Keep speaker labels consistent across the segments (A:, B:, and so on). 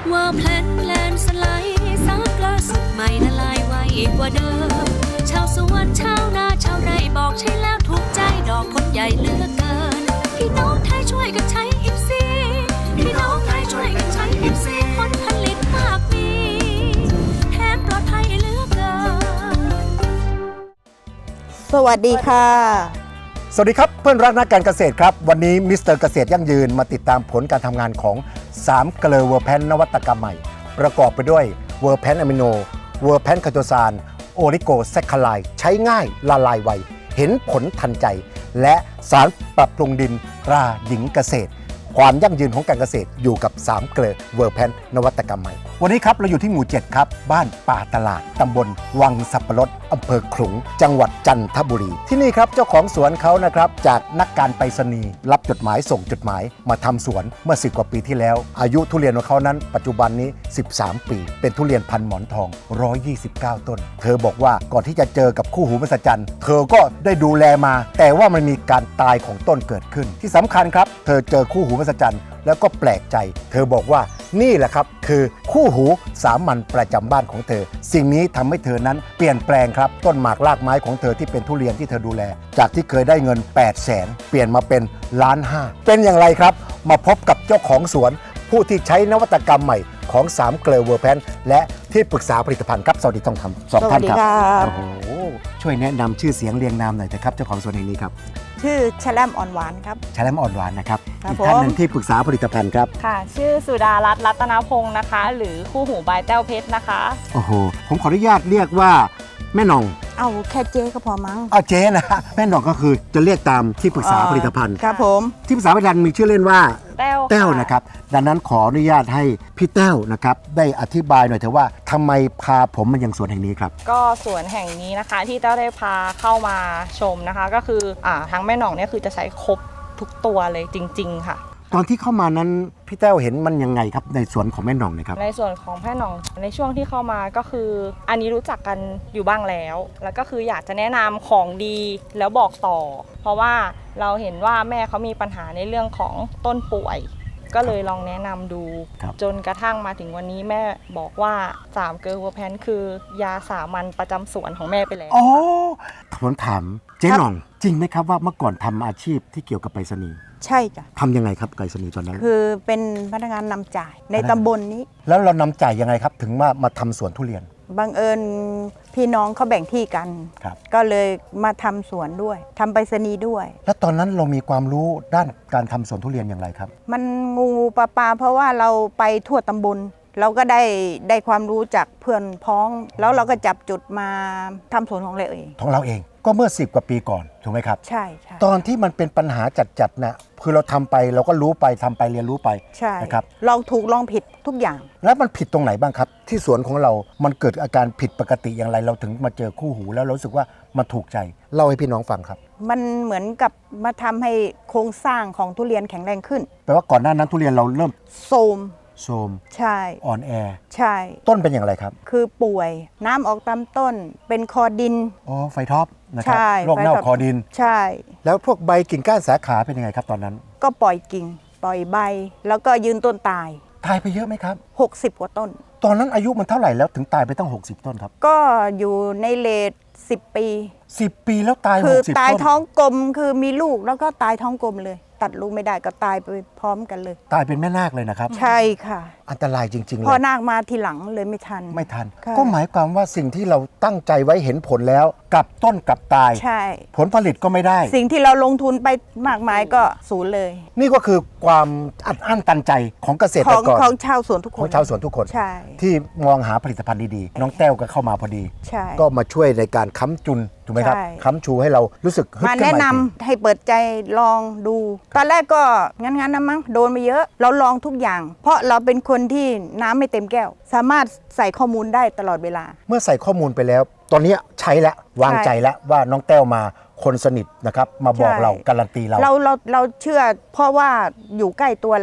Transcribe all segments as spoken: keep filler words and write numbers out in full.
A: ว่าแพลนแพลนสไลด์ซักล่าสุดใหม่ละลายไวกว่าเดิมชาวสวนชาวนาชาวไร่บอกใช่แล้วถูกใจดอกคนใหญ่เหลือเกินพี่น้องไทยช่วยกันใช้อิฟซีพี่น้องไทยช่วยกันใช้อิฟซีผลผลิตมากมีแถมปลอดภัยเหลือเกิน
B: สวัสดีค่ะ
C: สวัสดีครับเพื่อนรักนักการเกษตรครับวันนี้มิสเตอร์เกษตรยั่งยืนมาติดตามผลการทำงานของสามเกลือเวอร์แพนนวัตกรรมใหม่ประกอบไปด้วยเวอร์แพนอะมิโนเวอร์แพนคาโตซานโอลิโกแซคคาไลใช้ง่ายละลายไวเห็นผลทันใจและสารปรับปรุงดินราหญิงเกษตรความยั่งยืนของการเกษตรอยู่กับสามเกลือเวอร์แพนนวัตกรรมใหม่วันนี้ครับเราอยู่ที่หมู่เจ็ดครับบ้านป่าตลาดตำบลวังสับปะรดอำเภอขลุงจังหวัดจันทบุรีที่นี่ครับเจ้าของสวนเขานะครับจากนักการไปรษณีย์รับจดหมายส่งจดหมายมาทำสวนเมื่อสิบกว่าปีที่แล้วอายุทุเรียนของเขานั้นปัจจุบันนี้สิบสามปีเป็นทุเรียนพันหมอนทองหนึ่งร้อยยี่สิบเก้าต้นเธอบอกว่าก่อนที่จะเจอกับคู่หูมหัศจรรย์เธอก็ได้ดูแลมาแต่ว่ามันมีการตายของต้นเกิดขึ้นที่สำคัญครับเธอเจอคู่หูมหัศจรรย์แล้วก็แปลกใจเธอบอกว่านี่แหละครับคือคู่หูสามัญประจำบ้านของเธอสิ่งนี้ทำให้เธอนั้นเปลี่ยนแปลงครับต้นหมากรากไม้ของเธอที่เป็นทุเรียนที่เธอดูแลจากที่เคยได้เงินแปดแสนเปลี่ยนมาเป็นล้านห้าเป็นอย่างไรครับมาพบกับเจ้าของสวนผู้ที่ใช้นวัตกรรมใหม่ของสามเกลือเวอร์แพนและที่ปรึกษาผลิตภัณฑ์ครับสวัสดีต้องทำสองท่านครับโอ้โหช่วยแนะนำชื่อเสียงเรียงนามหน่อยเถอะครับเจ้าของสวนแห่งนี้ครับ
B: ชื่อชแลมอ่อนหวานครับ
C: ชแลมอ่อนหวานนะครับอีกท่านหนึ่งที่ปรึกษาผลิตภัณฑ์ครับ
D: ค่ะชื่อสุดารัตน์รัตนพงศ์นะคะหรือคู่หูบายแต้วเพชรนะคะ
C: โอ้โหผมขออนุญาตเรียกว่าแม่หน่อง
B: เอาแค่เจ๊ก็พอมั้ง
C: เอาเจ๊นะแม่หน่องก็คือจะเรียกตามที่ปรึกษาผลิตภัณฑ์
B: ครับผม
C: ที่ปรึกษาผลิตภัณฑ์มีชื่อเล่นว่า
D: แต้ว
C: แต้วนะครับดังนั้นขออนุญาตให้พี่แต้วนะครับได้อธิบายหน่อยเถอะว่าทำไมพาผมมายังสวนแห่งนี้ครับ
D: ก็สวนแห่งนี้นะคะที่แต้วได้พาเข้ามาชมนะคะก็คืออ่าทั้งแม่หน่องเนี่ยคือจะใช้ครบทุกตัวเลยจริงๆค่ะ
C: ตอนที่เข้ามานั้นพี่แต้วเห็นมันยังไงครับในสวนของแม่หน่องนะครับ
D: ในส่วนของแม่หน่องในช่วงที่เข้ามาก็คืออันนี้รู้จักกันอยู่บ้างแล้วแล้วก็คืออยากจะแนะนำของดีแล้วบอกต่อเพราะว่าเราเห็นว่าแม่เขามีปัญหาในเรื่องของต้นป่วยก็เลยลองแนะนำดูจนกระทั่งมาถึงวันนี้แม่บอกว่าสามเกลือเวอร์แพนคือยาสามัญประจำสวนของแม่ไปแล้ว
C: อ๋อผมถามเจ๊หน่องจริงไหมครับว่าเมื่อก่อนทำอาชีพที่เกี่ยวกับไปรษณีย์
B: ใช่จ้ะ
C: ทำยังไงครับไปรษณีย์ตอนนั้น
B: คือเป็นพนักงานนำจ่ายในตำบลนี้
C: แล้วเรานำจ่ายยังไงครับถึงมามาทำสวนทุเรียน
B: บังเอิญพี่น้องเขาแบ่งที่กันก็เลยมาทำสวนด้วยทำไปรษณีย์ด้วย
C: แล้วตอนนั้นเรามีความรู้ด้านการทำสวนทุเรียนอย่างไรครับ
B: มันงูปลาปลาเพราะว่าเราไปทั่วตำบลเราก็ได้ได้ความรู้จากเพื่อนพ้องแล้วเราก็จับจุดมาทำสวนของเราเอง
C: ของเราเองก็เมื่อสิบกว่าปีก่อนถูกไหมครับ
B: ใช่ใช่
C: ตอนที่มันเป็นปัญหาจัดๆนะคือเราทำไปเราก็รู้ไปทำไปเรียนรู้ไป
B: ใช่
C: นะครับ
B: ลองถูกลองผิดทุกอย่าง
C: แล้วมันผิดตรงไหนบ้างครับที่สวนของเรามันเกิดอาการผิดปกติอย่างไรเราถึงมาเจอคู่หูแล้วเรารู้สึกว่ามันถูกใจเล่าให้พี่น้องฟังครับ
B: มันเหมือนกับมาทำให้โครงสร้างของทุเรียนแข็งแรงขึ้น
C: แปลว่าก่อนหน้านั้นทุเรียนเราเริ่ม
B: โทรม
C: โทรม
B: ใช่
C: อ่อนแอ
B: ใช่
C: ต้นเป็นอย่างไรครับ
B: คือป่วยน้ำออกตามต้นเป็นคอดิน
C: อ๋อไฟท็อปนะครับโรคเน่าคอดิน
B: ใช่
C: แล้วพวกใบกิ่งก้านสาขาเป็นยังไงครับตอนนั้น
B: ก็ปล่อยกิ่งปล่อยใบแล้วก็ยืนต้นตาย
C: ตายไปเยอะไหมครับ
B: หกสิบกว่าต้น
C: ตอนนั้นอายุมันเท่าไหร่แล้วถึงตายไปตั้งหกสิบต้นครับ
B: ก็อยู่ในเลทสิบปี
C: สิบปีแล้วตาย
B: คือตายท้องกลมคือมีลูกแล้วก็ตายท้องกลมเลยตัดลูกไม่ได้ก็ตายไปพร้อมกันเลย
C: ตายเป็นแม่นาคเลยนะครับ
B: ใช่ค่ะ
C: อันตรายจริงๆเลย
B: พอนาคมาทีหลังเลยไม่ทัน
C: ไม่ทันก็หมายความว่าสิ่งที่เราตั้งใจไว้เห็นผลแล้วกลับต้นกลับตาย
B: ใช่
C: ผลผลิตก็ไม่ได้
B: สิ่งที่เราลงทุนไปมากมายก็สูญเลย
C: นี่ก็คือความอัดอั้นตันใจของเกษตรกร
B: ของชาวสวนทุกคน
C: ของชาวสวนทุกคน
B: ใช่
C: ที่มองหาผลิตภัณฑ์ดีๆน้องแต้วก็เข้ามาพอดี
B: ใช่
C: ก็มาช่วยในการค้ำจุนถูกไหมครับค้ำชูให้เรารู้สึก
B: มาแนะนำให้เปิดใจลองดูตอนแรกก็งั้นๆนะมั้งโดนมาเยอะเราลองทุกอย่างเพราะเราเป็นคนที่น้ำไม่เต็มแก้วสามารถใส่ข้อมูลได้ตลอดเวลา
C: เมื่อใส่ข้อมูลไปแล้วตอนนี้ใช้แล้ววางใจแล้วว่าน้องแต้วมาคนสนิทนะครับมาบอกเราการันตีเรา
B: เราเราเราเชื่อเพราะว่าอยู่ใกล้ตัวเรา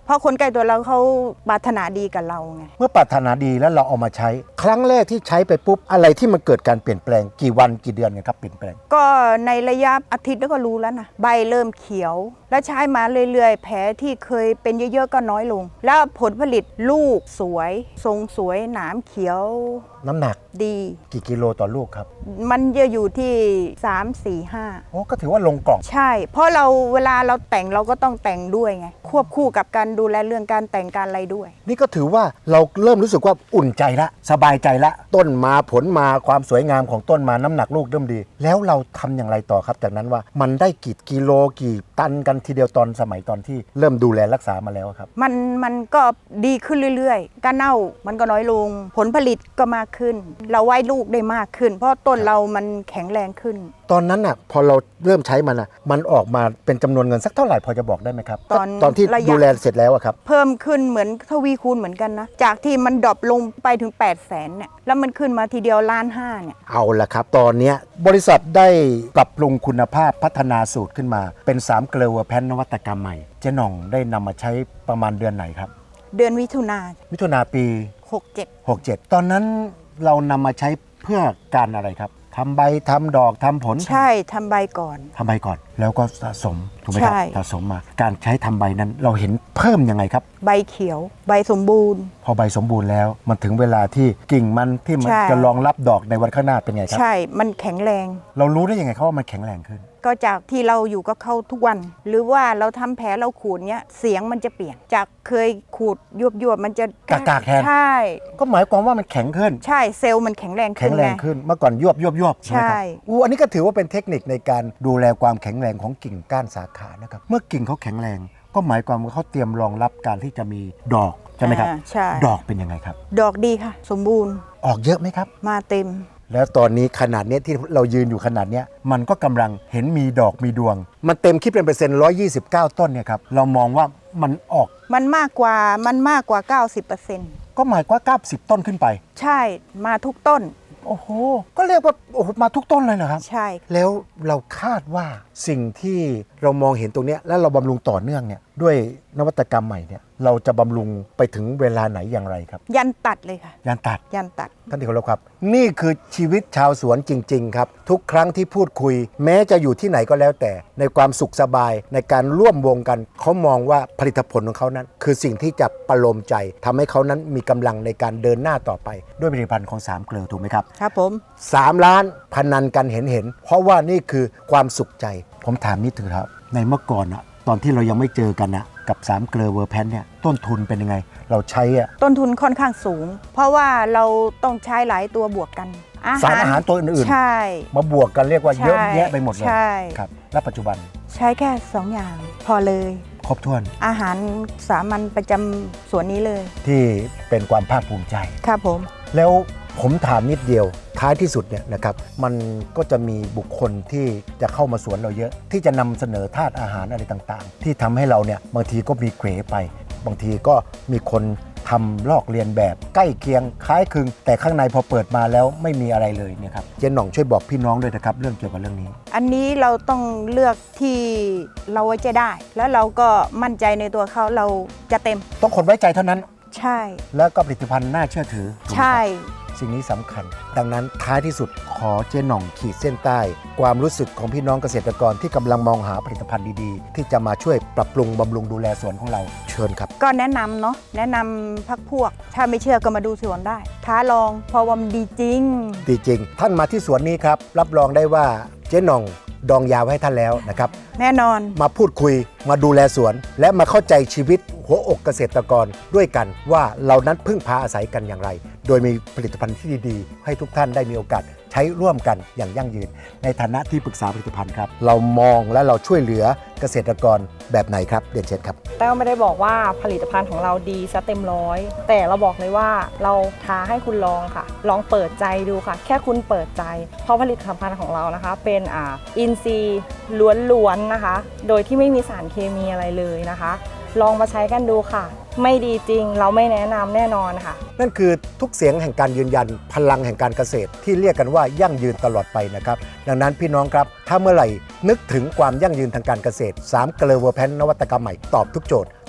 B: เพราะคนใกล้ตัวเราเขาปรารถนาดีกับเราไง
C: เมื่อปรารถนาดีแล้วเราเอามาใช้ ครั้งแรกที่ใช้ไปปุ๊บอะไรที่มันเกิดการเปลี่ยนแปลงกี่วันกี่เดือนเนี่ยครับเปลี่ยนแปลง
B: ก็ในระยะอาทิตย์แล้วก็รู้แล้วนะใบเริ่มเขียว แล้วใช้มาเรื่อยๆ แผลที่เคยเป็นเยอะๆก็น้อยลง แล้วผลผลิตลูกสวย ทรงสวยหนามเขียว
C: น้ำหนัก
B: ดี
C: กี่กิโลต่อลูกครับ
B: มันจะอยู่ที่สาม สี่ ห้า
C: โอ้ก็ถือว่าลงกล่อง
B: ใช่ เพราะเราเวลาเราแต่งเราก็ต้องแต่งด้วยไงควบคู่กับการดูแลเรื่องการแต่งการอะไรด้วย
C: นี่ก็ถือว่าเราเริ่มรู้สึกว่าอุ่นใจละสบายใจละต้นมาผลมาความสวยงามของต้นมาน้ำหนักลูกเริ่มดี แล้วเราทำอย่างไรต่อครับจากนั้นว่ามันได้กี่กิโลกี่ตันกันทีเดียวตอนสมัยตอนที่เริ่มดูแลรักษามาแล้วครับ
B: มันมันก็ดีขึ้นเรื่อยๆ การเน่ามันก็น้อยลง ผลผลิตก็มากขึ้น เราไว้ลูกได้มากขึ้น เพราะต้นเรามันแข็งแรงขึ้น
C: ตอนนั้นน่ะพอเราเริ่มใช้มันอ่ะมันออกมาเป็นจำนวนเงินสักเท่าไหร่พอจะบอกได้ไหมครับ
B: ตอน
C: ตอนที่
B: ระยะ
C: ดูแลเสร็จแล้วอะครับ
B: เพิ่มขึ้นเหมือนทวีคูณเหมือนกันนะ จากที่มันดรอปลงไปถึง แปดแสนเนี่ยแล้วมันขึ้นมาทีเดียวล้านห้าเนี่ย
C: เอาละครับ ตอนเนี้ยบริษัทได้ปรับปรุงคุณภาพพัฒนาสูตรขึ้นมาเป็นสามเกลือเวอร์แพนนวัตกรรมใหม่เจ๊หน่องได้นำมาใช้ประมาณเดือนไหนครับ
B: เดือนมิถุนา
C: มิถุนาปี
B: หกเจ็ด
C: หกเจ็ดตอนนั้นเรานำมาใช้เพื่อการอะไรครับทำใบทำดอกทำผล
B: ใช่ทำใบก่อน
C: ทำใบก่อน แล้วก็สะสมถูกไหมครับ
B: ใช่
C: สะสมมาการใช้ทำใบนั้นเราเห็นเพิ่มยังไงครับ
B: ใบเขียว ใบสมบูรณ์
C: พอใบสมบูรณ์แล้วมันถึงเวลาที่กิ่งมันที่มัน
B: ใช่
C: จะรองรับดอกในวันข้างหน้าเป็นไงครับ
B: ใช่มันแข็งแรง
C: เรารู้ได้ยังไงครับว่ามันแข็งแรงขึ้น
B: ก็จากที่เราอยู่กับเขาทุกวัน หรือว่าเราทำแผลเราขูดเนี้ยเสียงมันจะเปลี่ยน จากเคยขูดยวบยวบๆมันจะ
C: กากๆแทน
B: ใช่
C: ก็หมายความว่ามันแข็งขึ้น
B: ใช่เซลล์มันแข็งแรง
C: แข็
B: ขึ้น
C: งแรง
B: ไ
C: ขึ้นเมื่อก่อนยวบยวบยวบ
B: ใช่
C: ไหมครับอู้อันนี้ก็ถือว่าเป็นเทคนิคในการดูแลความแข็งแรงของกิ่งก้านสาขานะครับเมื่อกิ่งเขาแข็งแรง ก็หมายความว่าเขาเตรียมรองรับการที่จะมีดอกใช่ไหมครับ
B: อ่าใช่
C: ดอกเป็นยังไงครับ
B: ดอกดีค่ะ สมบูรณ์
C: ออกเยอะไหมครับ
B: มาเต็ม
C: แล้วตอนนี้ขนาดเนี้ยที่เรายืนอยู่ขนาดเนี้ยมันก็กำลังเห็นมีดอกมีดวง มันเต็มคิดเป็นเปอร์เซ็นต์หนึ่งร้อยยี่สิบเก้าต้นเนี่ยครับเรามองว่ามันออก
B: มันมากกว่ามันมากกว่า เก้าสิบเปอร์เซ็นต์
C: ก็หมายความว่าเก้าสิบต้นขึ้นไป
B: ใช่มาทุกต้น
C: โอ้โหก็เรียกว่าโอ้โหมาทุกต้นเลยเหรอครับ
B: ใช่
C: แล้วเราคาดว่าสิ่งที่เรามองเห็นตรงเนี้ยแล้วเราบำรุงต่อเนื่องเนี่ยด้วยนวัตกรรมใหม่เนี่ยเราจะบำรุงไปถึงเวลาไหนอย่างไรครับ
B: ยันตัดเลยค่ะ
C: ยานตัด
B: ยันตัด
C: ท่านที่เคารพครับ นี่คือชีวิตชาวสวนจริง ๆ ครับ ทุกครั้งที่พูดคุย แม้จะอยู่ที่ไหนก็แล้วแต่ ในความสุขสบายในการร่วมวงกัน เขามองว่าผลิตผลของเขานั้น คือสิ่งที่จะประโลมใจทำให้เขานั้นมีกำลังในการเดินหน้าต่อไป ด้วยผลิตภัณฑ์ของสามเกลือถูกไหมครับ
B: ครับผม
C: สามล้านพนันกันเห็นเห็นเพราะว่านี่คือความสุขใจ ผมถามนิดนึงครับ ในเมื่อก่อนอะตอนที่เรายังไม่เจอกันนะกับสามเกลือเวอร์แพนเนี่ยต้นทุนเป็นยังไง เราใช้อะ
B: ต้นทุนค่อนข้างสูง เพราะว่าเราต้องใช้หลายตัวบวกกัน
C: สารอาหารตัวอื่น
B: ใช่
C: ๆ มาบวกกันเรียกว่าเยอะแยะไปหมดเลย
B: ใช่
C: ครับและปัจจุบัน
B: ใช้แค่สองอย่าง พอเลย
C: ครบถ้วน
B: อาหารสามัญประจำสวนนี้เลย
C: ที่เป็นความภาคภูมิใจ
B: ครับผม
C: แล้วผมถามนิดเดียวท้ายที่สุดเนี่ยนะครับมันก็จะมีบุคคลที่จะเข้ามาสวนเราเยอะ ที่จะนำเสนอธาตุอาหารอะไรต่างๆ ที่ทำให้เราเนี่ยบางทีก็มีเขวไป บางทีก็มีคนทำลอกเลียนแบบใกล้เคียงคล้ายคลึง แต่ข้างในพอเปิดมาแล้วไม่มีอะไรเลยเนี่ยครับเจ๊หน่องช่วยบอกพี่น้องด้วยนะครับเรื่องเกี่ยวกับเรื่องนี้
B: อันนี้เราต้องเลือกที่เราไว้ใจได้ แล้วเราก็มั่นใจในตัวเขาเราจะเต็ม
C: ต้องคนไว้ใจเท่านั้น
B: ใช่
C: แล้วก็ผลิตภัณฑ์น่าเชื่อถือถูกไหมครับ
B: ใช่
C: สิ่งนี้สำคัญ ดังนั้นท้ายที่สุดขอเจ๊หน่องขีดเส้นใต้ ความรู้สึกของพี่น้องเกษตรกรที่กำลังมองหาผลิตภัณฑ์ดีๆ ที่จะมาช่วยปรับปรุงบำรุงดูแลสวนของเราเชิญครับ
B: ก็แนะนำเนาะแนะนำพักพวก ถ้าไม่เชื่อก็มาดูสวนได้ ท้าลองเพราะว่ามันดีจริง
C: ดีจริง ท่านมาที่สวนนี้ครับ รับรองได้ว่าเจ๊หน่องดองยาไว้ให้ท่านแล้วนะครับ
B: แน่นอน
C: มาพูดคุยมาดูแลสวน และมาเข้าใจชีวิตหัวอกเกษตรกรด้วยกันว่าเรานั้นพึ่งพาอาศัยกันอย่างไร โดยมีผลิตภัณฑ์ที่ดีๆ ให้ทุกท่านได้มีโอกาสใช้ร่วมกันอย่างยั่งยืน ในฐานะที่ปรึกษาผลิตภัณฑ์ครับ เรามองและเราช่วยเหลือเกษตรกรแบบไหนครับเรียนเชิญครับ
D: แต้วไม่ได้บอกว่าผลิตภัณฑ์ของเราดีซะเต็มร้อยแต่เราบอกเลยว่าเราท้าให้คุณลองค่ะ ลองเปิดใจดูค่ะ แค่คุณเปิดใจเพราะผลิตภัณฑ์ของเรานะคะ เป็นอ่าอินทรีย์ล้วนๆนะคะ โดยที่ไม่มีสารเคมีอะไรเลยนะคะ ลองมาใช้กันดูค่ะ ไม่ดีจริงเราไม่แนะนำแน่นอนค่ะ
C: นั่นคือทุกเสียงแห่งการยืนยันพลังแห่งการเกษตรที่เรียกกันว่ายั่งยืนตลอดไปนะครับดังนั้นพี่น้องครับถ้าเมื่อไหร่นึกถึงความยั่งยืนทางการเกษตรสามเกลือเวอร์แพนนวัตกรรมใหม่ตอบทุกโจทย์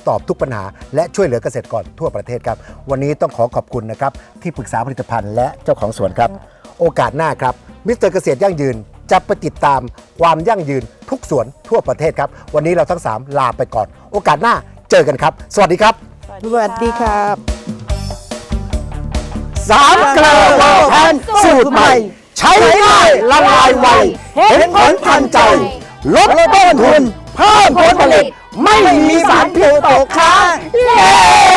C: ตอบทุกปัญหา และช่วยเหลือเกษตรกรทั่วประเทศครับวันนี้ต้องขอขอบคุณนะครับที่ปรึกษาผลิตภัณฑ์และเจ้าของสวนครับโอกาสหน้าครับมิสเตอร์เกษตรยั่งยืนจะไปติดตามความยั่งยืนทุกสวนทั่วประเทศครับวันนี้เราทั้งสามลาไปก่อนโอกาสหน้าเจอกันครับสวัสดีครับ
B: สวัสดีครับ
C: สามเกลอเวอร์แพนสูตรใหม่ใช้ง่ายละลายไวเห็นผลทันใจลดต้นทุนเพิ่มผลผลิตไม่มีสารพิษตกค้างเย้